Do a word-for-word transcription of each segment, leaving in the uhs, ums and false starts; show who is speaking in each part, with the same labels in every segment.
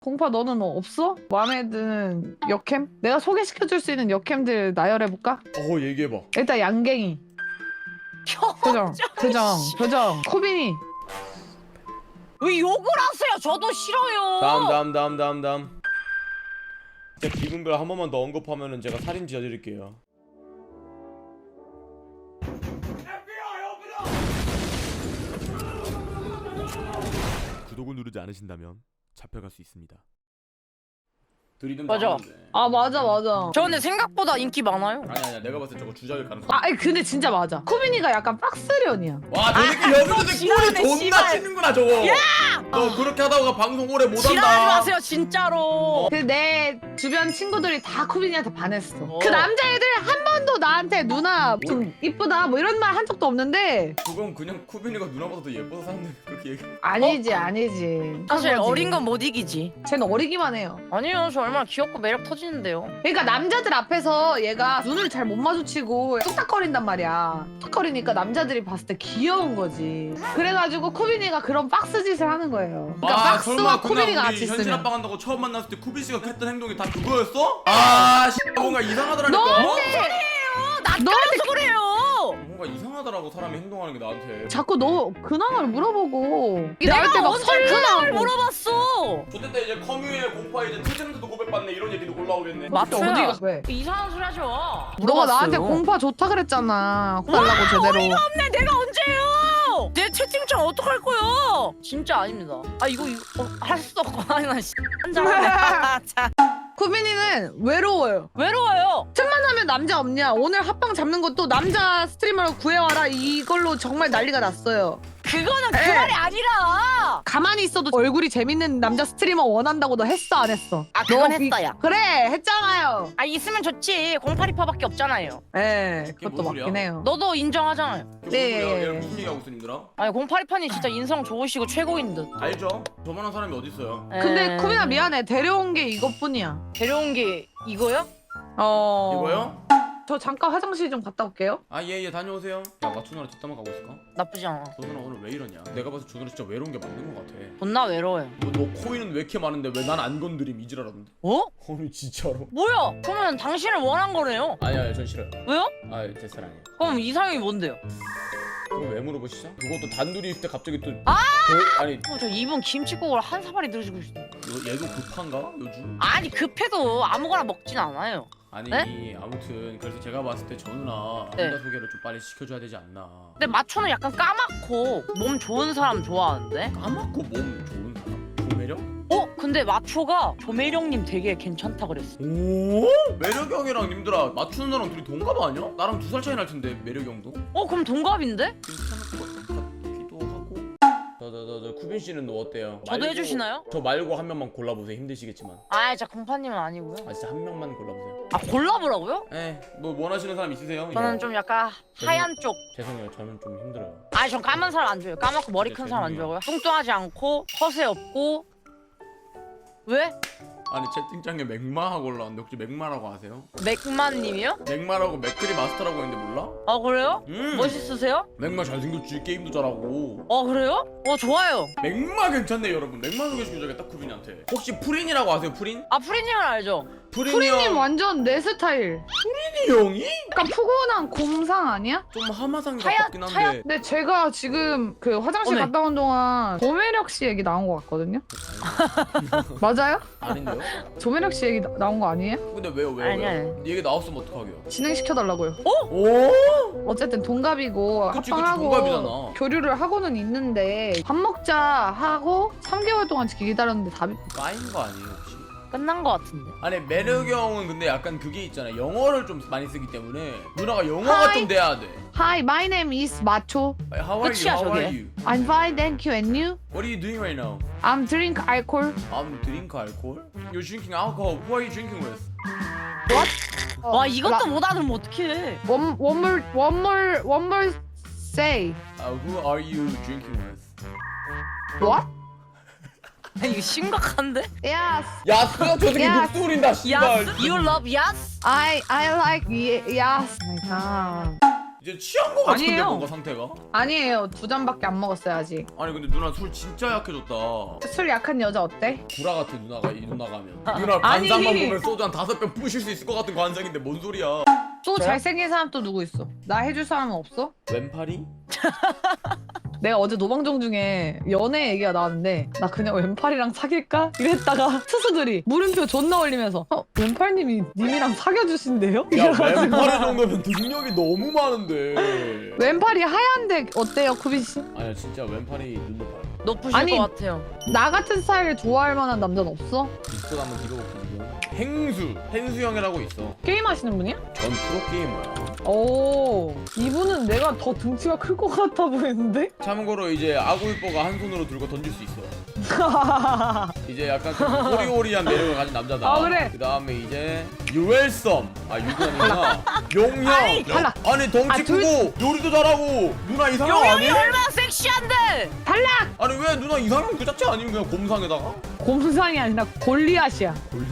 Speaker 1: 공파 너는 뭐 없어? 마음에 드는 역캠? 내가 소개시켜줄 수 있는 역캠들 나열해볼까?
Speaker 2: 어 얘기해봐.
Speaker 1: 일단 양갱이 표정 표정 표정 코빈이
Speaker 3: 왜 욕을 하세요? 저도 싫어요.
Speaker 2: 다음 다음 다음 다음 다음. 제 기분별 한 번만 더 언급하면은 제가 살인 지어드릴게요. 구독을 누르지 않으신다면 잡혀갈 수 있습니다. 들이든
Speaker 3: 맞아.
Speaker 1: 아 맞아 맞아
Speaker 3: 저 근데 생각보다 인기 많아요.
Speaker 2: 아니 아니야 내가 봤을 때 저거 주작일 가능성.
Speaker 1: 아 아니, 근데 진짜 맞아 코빈이가 약간 빡스련이야
Speaker 2: 와저 새끼 여기서 내
Speaker 3: 지랄하네,
Speaker 2: 꼴이 존나
Speaker 3: 씨발.
Speaker 2: 치는구나 저거. 야! 너 그렇게 하다가 방송 오래 못한다.
Speaker 3: 지랄하지 마세요 진짜로.
Speaker 1: 그 내 주변 친구들이 다 코빈이한테 반했어
Speaker 3: 어.
Speaker 1: 그 남자애들 한 번도 나한테 누나 좀 이쁘다 뭐 이런 말 한 적도 없는데
Speaker 2: 그건 그냥 쿠빈이가 누나보다 더 예뻐서 사는데 그렇게 얘기.
Speaker 1: 아니지 아니지
Speaker 3: 사실
Speaker 1: 그거지.
Speaker 3: 어린 건 못 이기지.
Speaker 1: 쟤는 어리기만 해요
Speaker 3: 아니요 저 얼마나 귀엽고 매력 터지는데요.
Speaker 1: 그러니까 남자들 앞에서 얘가 눈을 잘 못 마주치고 뚝딱거린단 말이야. 뚝딱거리니까 남자들이 봤을 때 귀여운 거지. 그래가지고 코빈이가 그런 박스 짓을 하는 거예요. 그러니까
Speaker 2: 아
Speaker 1: 박스와
Speaker 2: 설마
Speaker 1: 코빈이가
Speaker 2: 그날
Speaker 1: 같이
Speaker 2: 우리 현실
Speaker 1: 있으면.
Speaker 2: 합방 한다고 처음 만났을 때 쿠빈 씨가 했던 행동이 다 그거였어? 아 씨, 뭔가 이상하더라니까.
Speaker 1: 너한테
Speaker 3: 낯가려서 그래요.
Speaker 2: 뭔가 이상하더라고 사람이 행동하는 게 나한테.
Speaker 1: 자꾸 너 근황을 물어보고 이게 나올
Speaker 3: 내가
Speaker 1: 때막
Speaker 3: 언제 근황을
Speaker 1: 설레하고.
Speaker 3: 물어봤어.
Speaker 2: 그때 이제 커뮤에 공파 이제 퇴생도 고백받네 이런 얘기도 올라오겠네.
Speaker 3: 맞춰요.
Speaker 1: 어디가 왜?
Speaker 3: 이상한 소리 하지 마.
Speaker 1: 너가 나한테
Speaker 3: 물어봤어요.
Speaker 1: 공파 좋다 그랬잖아. 달라고 제대로.
Speaker 3: 근데 내가 언제요? 내 채팅창 어떡할 거야? 진짜 아닙니다. 아 이거 이거 어, 할 수도 없고 아니 나 씨. 한잔하네. 자,
Speaker 1: 코빈이는 외로워요.
Speaker 3: 외로워요.
Speaker 1: 틈만 하면 남자 없냐? 오늘 합방 잡는 것도 남자 스트리머로 구해와라 이걸로 정말 난리가 났어요.
Speaker 3: 그거는 그
Speaker 1: 에.
Speaker 3: 말이 아니라.
Speaker 1: 가만히 있어도 얼굴이 재밌는 남자 스트리머 원한다고 너 했어 안 했어?
Speaker 3: 아 그건
Speaker 1: 너 이-
Speaker 3: 했다 야.
Speaker 1: 그래 했잖아요.
Speaker 3: 아 있으면 좋지. 공팔이파밖에 없잖아요.
Speaker 1: 예, 그것도
Speaker 2: 뭔 소리야?
Speaker 1: 맞긴 해요.
Speaker 3: 너도 인정하잖아요.
Speaker 2: 그게
Speaker 1: 네.
Speaker 2: 무슨 소리야? 얘 무슨 얘기하고 있어 님들아?
Speaker 3: 아니 공팔이파님 진짜 인성 좋으시고 최고인 듯.
Speaker 2: 알죠? 저만한 사람이 어딨어요?
Speaker 1: 근데
Speaker 3: 에.
Speaker 1: 쿠빈아 미안해 데려온 게 이것뿐이야.
Speaker 3: 데려온 게 이거요?
Speaker 1: 어.
Speaker 2: 이거요?
Speaker 1: 저 잠깐 화장실 좀 갔다 올게요.
Speaker 2: 아 예 예 다녀오세요. 야 마추 누나 뒷담화 가고 있을까?
Speaker 3: 나쁘지 않아.
Speaker 2: 저 누나 오늘 왜 이러냐? 내가 봐서 저 누나 진짜 외로운 게 맞는 것 같아.
Speaker 3: 존나 외로워요.
Speaker 2: 너, 너 코인은 왜 이렇게 많은데 왜 난 안 건드림 이지랄하던데?
Speaker 3: 어?
Speaker 2: 아니 진짜로?
Speaker 3: 뭐야? 그러면 당신을 원한 거네요.
Speaker 2: 아니 아니 전 싫어요.
Speaker 3: 왜요?
Speaker 2: 아제 스타일 아니에요.
Speaker 3: 그럼 이상형이 뭔데요?
Speaker 2: 그거 왜 물어보시죠? 그것도 단둘이 있을 때 갑자기 또
Speaker 3: 아!
Speaker 2: 별- 아니
Speaker 3: 어, 저 이분 김치국을 한 사발이 들으시고 있어.
Speaker 2: 요- 얘도 급한가? 요즘?
Speaker 3: 아니 급해도 아무거나 먹진 않아요.
Speaker 2: 아니
Speaker 3: 네?
Speaker 2: 아무튼 그래서 제가 봤을 때 저 누나
Speaker 3: 네.
Speaker 2: 혼자 소개를 좀 빨리 시켜줘야 되지 않나.
Speaker 3: 근데 마초는 약간 까맣고 몸 좋은 사람 좋아하는데?
Speaker 2: 까맣고 몸 좋은 사람? 조매력?
Speaker 3: 어? 근데 마초가 조매령님 되게 괜찮다 그랬어.
Speaker 2: 오? 매력이 형이랑 님들아 맞추는 나랑 둘이 동갑 아니야? 나랑 두 살 차이 날 텐데 매력이 형도?
Speaker 3: 어 그럼 동갑인데?
Speaker 2: 괜찮을 것 같기도 하고. 저저저 쿠빈 씨는 너 어때요?
Speaker 3: 저도
Speaker 2: 말고-
Speaker 3: 해주시나요?
Speaker 2: 저 말고 한 명만 골라보세요. 힘드시겠지만.
Speaker 3: 아 진짜 공파님은 아니고요.
Speaker 2: 아 진짜 한 명만 골라보세요.
Speaker 3: 아 골라보라고요?
Speaker 2: 에, 뭐 원하시는 사람 있으세요?
Speaker 3: 저는 좀 약간 하얀 쪽.
Speaker 2: 죄송해요. 저는 좀 힘들어요.
Speaker 3: 아니 전 까만 사람 안 좋아해요. 까맣고 머리
Speaker 2: 네,
Speaker 3: 큰 사람 안
Speaker 2: 죄송해요.
Speaker 3: 좋아하고요. 뚱뚱하지 않고 허세 없고. 왜?
Speaker 2: 아니 채팅창에 맥마하고 올라왔는데 혹시 맥마라고 아세요?
Speaker 3: 맥만님이요?
Speaker 2: 맥마라고 맥크리 마스터라고 했는데 몰라?
Speaker 3: 아 그래요?
Speaker 2: 음.
Speaker 3: 멋있으세요?
Speaker 2: 맥마 잘생겼지 게임도 잘하고.
Speaker 3: 어 그래요? 어 좋아요.
Speaker 2: 맥마 괜찮네 여러분. 맥마 소개시켜줘야겠다 쿠빈이한테. 혹시 프린이라고 아세요 프린?
Speaker 3: 아 프리님은 알죠?
Speaker 2: 프린이
Speaker 1: 프리님
Speaker 2: 형.
Speaker 1: 완전 내 스타일.
Speaker 2: 프린이 형이?
Speaker 1: 약간 푸근한 곰상 아니야?
Speaker 2: 좀 하마상
Speaker 3: 하얗-
Speaker 2: 같긴 한데.
Speaker 3: 하얗-
Speaker 1: 근데 제가 지금 그 화장실
Speaker 3: 어메.
Speaker 1: 갔다 온 동안 조매력 씨 얘기 나온 것 같거든요. 맞아요?
Speaker 2: 아닌데요?
Speaker 1: 조매력 씨 얘기 나, 나온 거 아니에요?
Speaker 2: 근데 왜요 왜요?
Speaker 3: 아니,
Speaker 2: 왜요? 얘기 나왔으면 어떡하게요?
Speaker 1: 진행시켜달라고요.
Speaker 2: 오?
Speaker 1: 어쨌든 동갑이고
Speaker 2: 그치, 그치,
Speaker 1: 합방하고
Speaker 2: 동갑이잖아.
Speaker 1: 교류를 하고는 있는데 밥 먹자 하고 삼 개월 동안 기다렸는데 답이
Speaker 2: 까인 거 아니에요 혹시?
Speaker 3: 끝난 거 같은데.
Speaker 2: 아니 매력이 형은 근데 약간 그게 있잖아. 영어를 좀 많이 쓰기 때문에 누나가 영어가
Speaker 1: 하이.
Speaker 2: 좀 돼야 돼.
Speaker 1: Hi, my name is Macho.
Speaker 2: How are
Speaker 3: 끝이야,
Speaker 2: you? How are
Speaker 3: 저게.
Speaker 2: you?
Speaker 1: I'm fine, thank you. And you?
Speaker 2: What are you doing right now?
Speaker 1: I'm drink alcohol.
Speaker 2: I'm drink alcohol. You're drinking alcohol. Who are you drinking with?
Speaker 3: 와 이것도 못 알아들으면 어떡해.
Speaker 1: One, one more, one more, one more say.
Speaker 2: Uh, who are you drinking with?
Speaker 1: What?
Speaker 3: 이거 심각한데?
Speaker 1: Yes.
Speaker 2: 야, 쓰가 저 새끼
Speaker 1: 야.
Speaker 2: 목소리 린다 씨발.
Speaker 3: Yes? You love yes?
Speaker 1: I I like y- yes. Oh my god.
Speaker 2: 이제 취한 거 같은데
Speaker 1: 아니에요.
Speaker 2: 뭔가 상태가?
Speaker 1: 아니에요. 두 잔밖에 안 먹었어요 아직.
Speaker 2: 아니 근데 누나 술 진짜 약해졌다.
Speaker 1: 술 약한 여자 어때?
Speaker 2: 구라 같아 누나가 이 누나가 하면. 누나 관상만
Speaker 1: 아니.
Speaker 2: 보면 소주 한 다섯 병 부실 수 있을 것 같은 관상인데 뭔 소리야?
Speaker 1: 또
Speaker 3: 저요?
Speaker 1: 잘생긴 사람 또 누구 있어? 나 해줄 사람은 없어?
Speaker 2: 왼팔이?
Speaker 1: 내가 어제 노방정 중에 연애 얘기가 나왔는데 나 그냥 왼팔이랑 사귈까? 이랬다가 투수들이 물음표 존나 올리면서 어? 왼팔님이 님이랑 사귀어주신대요?
Speaker 2: 야
Speaker 1: 이래가지고
Speaker 2: 왼팔이 정도면 능력이 너무 많은데.
Speaker 1: 왼팔이 하얀데 어때요 쿠빈씨?
Speaker 2: 아니야 진짜 왼팔이 눈도 봐요.
Speaker 3: 높으실
Speaker 1: 아니.
Speaker 3: 것 같아요.
Speaker 1: 나 같은 스타일을 좋아할 만한 남자는 없어?
Speaker 2: 디스코드 한번 뒤져볼게 지금. 행수, 행수 형이라고 있어.
Speaker 1: 게임 하시는 분이야?
Speaker 2: 전 프로게이머야.
Speaker 1: 오 이분은 내가 더 등치가 클 것 같아 보이는데?
Speaker 2: 참고로 이제 아구이뽀가 한 손으로 들고 던질 수 있어. 이제 약간 좀 호리호리한 매력을 가진 남자다.
Speaker 1: 아, 그래?
Speaker 2: 그 다음에 이제 유엘썸. 아 유관이구나. 용형.
Speaker 1: 아니, 탈락.
Speaker 2: 아니 덩치
Speaker 1: 아, 둘-
Speaker 2: 크고 요리도 잘하고 누나 이상형
Speaker 3: 용영이
Speaker 2: 아니?
Speaker 3: 얼마나 섹시한데!
Speaker 1: 탈락!
Speaker 2: 아니 왜 누나 이상형 그 자체 아니면 그냥 곰상에다가?
Speaker 1: 곰상이 아니라 골리앗이야
Speaker 2: 골리.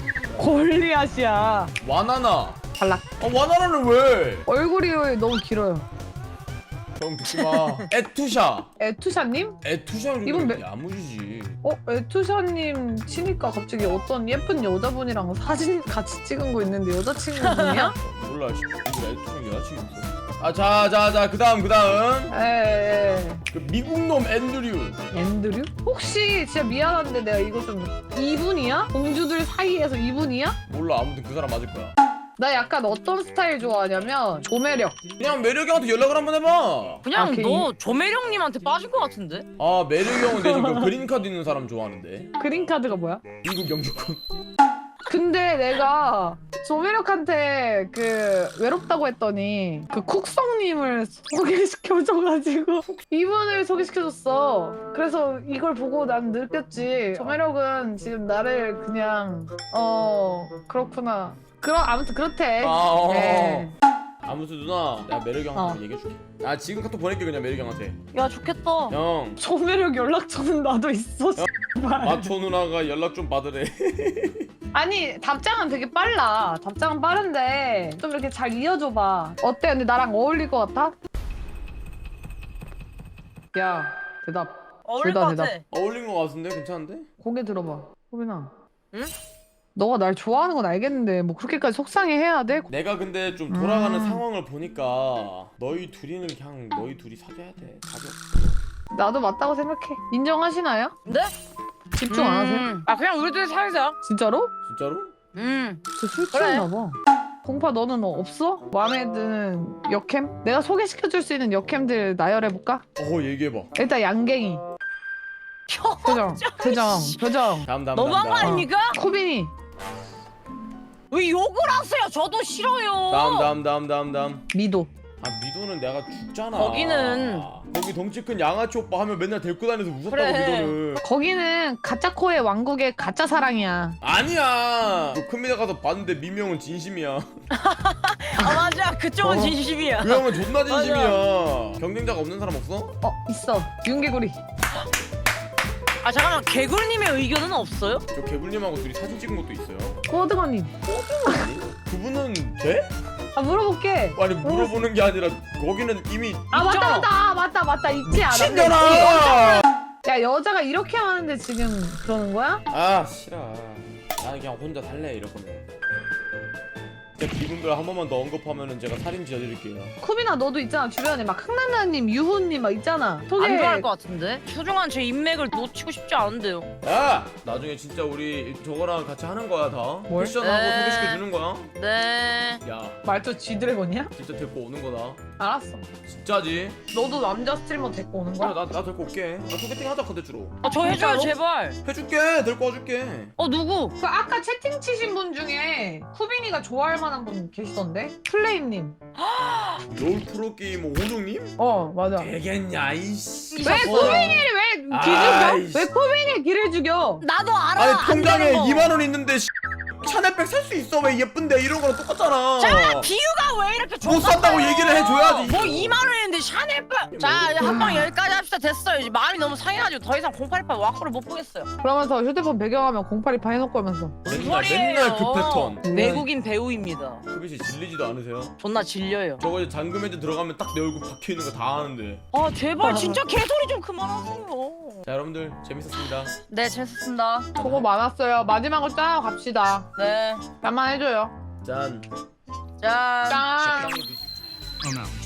Speaker 1: 골리앗이야
Speaker 2: 와나나.
Speaker 1: 탈락
Speaker 2: 아 와나나는 왜?
Speaker 1: 얼굴이 너무 길어요
Speaker 2: 형 듣지마. 에투샤.
Speaker 1: 에투샤님?
Speaker 2: 에투샤
Speaker 1: 이분
Speaker 2: 이분
Speaker 1: 몇-
Speaker 2: 야무지지.
Speaker 1: 어? 에투샤님 치니까 갑자기 어떤 예쁜 여자분이랑 사진 같이 찍은 거 있는데 여자친구분이야?
Speaker 2: 몰라. 씨. 근데 에투샤 여자친구 있어. 아 자 자 자 그다음 그다음
Speaker 1: 에에
Speaker 2: 그 미국 놈 앤드류.
Speaker 1: 앤드류? 혹시 진짜 미안한데 내가 이거 좀 이분이야? 공주들 사이에서 이분이야?
Speaker 2: 몰라 아무튼 그 사람 맞을 거야.
Speaker 1: 나 약간 어떤 스타일 좋아하냐면 조매력
Speaker 2: 그냥 매력이 형한테 연락을 한번 해봐.
Speaker 3: 그냥
Speaker 1: 아, 그
Speaker 3: 너 조매령님한테 빠진 것 같은데?
Speaker 2: 아 매력이 형은 대신 그 그린카드 있는 사람 좋아하는데.
Speaker 1: 그린카드가 뭐야?
Speaker 2: 미국 영주권.
Speaker 1: 근데 내가 조매력한테 그 외롭다고 했더니 그 쿡성님을 소개시켜줘가지고 이분을 소개시켜줬어. 그래서 이걸 보고 난 느꼈지. 조매력은 지금 나를 그냥 어 그렇구나. 그럼 아무튼 그렇대.
Speaker 2: 아, 어.
Speaker 1: 네.
Speaker 2: 아무튼 누나 내가 매력이 형한테
Speaker 1: 어.
Speaker 2: 얘기해줄게. 아 지금 카톡 보낼게 그냥 매력이 형한테.
Speaker 3: 야 좋겠다.
Speaker 2: 형
Speaker 1: 조매력 연락처는 나도 있어. 씨발.
Speaker 2: 마초 누나가 연락 좀 받으래.
Speaker 1: 아니 답장은 되게 빨라. 답장은 빠른데 좀 이렇게 잘 이어줘봐. 어때? 근데 나랑 어울릴 것 같아? 야 대답.
Speaker 3: 어울릴
Speaker 1: 둘
Speaker 3: 것
Speaker 1: 다
Speaker 3: 같아.
Speaker 1: 대답.
Speaker 2: 어울린 거 같은데 괜찮은데?
Speaker 1: 고개 들어봐. 호빈아.
Speaker 3: 응?
Speaker 1: 너가 날 좋아하는 건 알겠는데 뭐 그렇게까지 속상해해야 돼?
Speaker 2: 내가 근데 좀 돌아가는
Speaker 1: 음.
Speaker 2: 상황을 보니까 너희 둘이는 그냥 너희 둘이 사귀어야 돼. 답이 없어.
Speaker 1: 나도 맞다고 생각해. 인정하시나요?
Speaker 3: 네?
Speaker 1: 집중 안 하세요?
Speaker 3: 음. 아 그냥 우리들 살자.
Speaker 1: 진짜로?
Speaker 2: 진짜로?
Speaker 3: 음.
Speaker 1: 진짜 술
Speaker 3: 그래.
Speaker 1: 취했나 봐. 공파 너는 뭐 없어? 마음에 드는 역캠? 내가 소개시켜줄 수 있는 역캠들 나열해볼까?
Speaker 2: 어 얘기해봐.
Speaker 1: 일단 양갱이. 표정, 표정, 표정.
Speaker 2: 다음 다음
Speaker 3: 너무한 거
Speaker 2: 다음, 다음.
Speaker 3: 아닙니까?
Speaker 1: 코빈이.
Speaker 3: 왜 욕을 하세요? 저도 싫어요.
Speaker 2: 다음 다음 다음 다음 다음.
Speaker 1: 미도.
Speaker 2: 아 미도는 내가 죽잖아.
Speaker 3: 거기는-
Speaker 2: 거기 덩치 큰 양아치 오빠 하면 맨날 데리고 다녀서 웃었다고
Speaker 3: 그래.
Speaker 2: 미도는.
Speaker 1: 거기는 가짜코의 왕국의 가짜 사랑이야.
Speaker 2: 아니야. 그 큰미대 가서 봤는데 미명은 진심이야.
Speaker 3: 아 맞아. 그쪽은
Speaker 1: 어.
Speaker 3: 진심이야.
Speaker 2: 그 형은 존나 진심이야. 경쟁자가 없는 사람 없어?
Speaker 1: 어 있어. 윤개구리.
Speaker 3: 아 잠깐만 개굴님의 의견은 없어요?
Speaker 2: 저 개불님하고 둘이 사진 찍은 것도 있어요.
Speaker 1: 호드건님.
Speaker 2: 아니? 그분은 돼?
Speaker 1: 아 물어볼게.
Speaker 2: 아니 물어보는 게 아니라 거기는 이미
Speaker 1: 아 맞다
Speaker 3: 있잖아.
Speaker 1: 맞다 아, 맞다 맞다 있지 않아.
Speaker 2: 미친년아.
Speaker 1: 야 여자가 이렇게 하는데 지금 그러는 거야?
Speaker 2: 아 싫어. 나는 그냥 혼자 살래 이럴 거면. 제 기분별 한 번만 더 언급하면은 제가 살인 지어드릴게요.
Speaker 1: 쿠비나 너도 있잖아 주변에 막 흥난나님, 유호님 막 있잖아. 소개.
Speaker 3: 안 좋아할 것 같은데? 소중한 제 인맥을 놓치고 싶지 않은데요.
Speaker 2: 야! 나중에 진짜 우리 저거랑 같이 하는 거야 다.
Speaker 1: 뭘?
Speaker 2: 패션하고
Speaker 3: 네.
Speaker 2: 소개시켜 주는 거야.
Speaker 3: 네.
Speaker 2: 야,
Speaker 1: 말투 쥐드래곤이야?
Speaker 2: 진짜 데리고 오는 거다.
Speaker 1: 알았어.
Speaker 2: 진짜지?
Speaker 1: 너도 남자 스트리머 데리고 오는
Speaker 2: 그래,
Speaker 1: 거야?
Speaker 2: 나, 나 데리고 올게. 나 소개팅 하자 컨텐츠로.
Speaker 3: 아 저 해줘요
Speaker 1: 진짜로?
Speaker 3: 제발.
Speaker 2: 해줄게. 데리고 와줄게.
Speaker 3: 어 누구?
Speaker 1: 그 아까 채팅 치신 분 중에 쿠빈이가 좋아할 만한 분 계시던데? 플레임님.
Speaker 2: 롤 프로게이머 오종님?
Speaker 1: 어 맞아.
Speaker 2: 되겠냐 이씨.
Speaker 1: 왜 쿠빈이를 왜 길
Speaker 2: 아이씨.
Speaker 1: 죽여? 왜 쿠빈이 길을 죽여?
Speaker 3: 나도 알아.
Speaker 2: 아니
Speaker 3: 안
Speaker 2: 통장에
Speaker 3: 되는 거.
Speaker 2: 이만 원 있는데 씨, 샤넬백 살 수 있어. 왜 예쁜데 이런 거랑 똑같잖아.
Speaker 3: 자 비유가 왜 이렇게
Speaker 2: 못 산다고
Speaker 3: 좁았어요?
Speaker 2: 얘기를 해줘야지.
Speaker 3: 뭐 이만 원인데 샤넬백. 자 한방 여기까지 합시다. 됐어요. 이제 마음이 너무 상해가지고 더 이상 공팔이팔 와꾸를 못 보겠어요.
Speaker 1: 그러면서 휴대폰 배경화면 공팔이팔 해놓고 하면서
Speaker 2: 맨날 맨날 그 패턴.
Speaker 3: 외국인 배우입니다.
Speaker 2: 수빈 씨 질리지도 않으세요?
Speaker 3: 존나 질려요.
Speaker 2: 저거 이제 잠금 해제 들어가면 딱 내 얼굴 박혀 있는 거 다 아는데.
Speaker 3: 아 제발 진짜 개소리 좀 그만하세요.
Speaker 2: 자 여러분들 재밌었습니다.
Speaker 3: 네 재밌었습니다.
Speaker 1: 수고 많았어요. 마지막으로 짠 갑시다.
Speaker 3: 네.
Speaker 1: 짠만 해줘요.
Speaker 2: 짠.
Speaker 3: 짠.
Speaker 1: 짠.
Speaker 2: 적당히 드시-
Speaker 4: Oh no.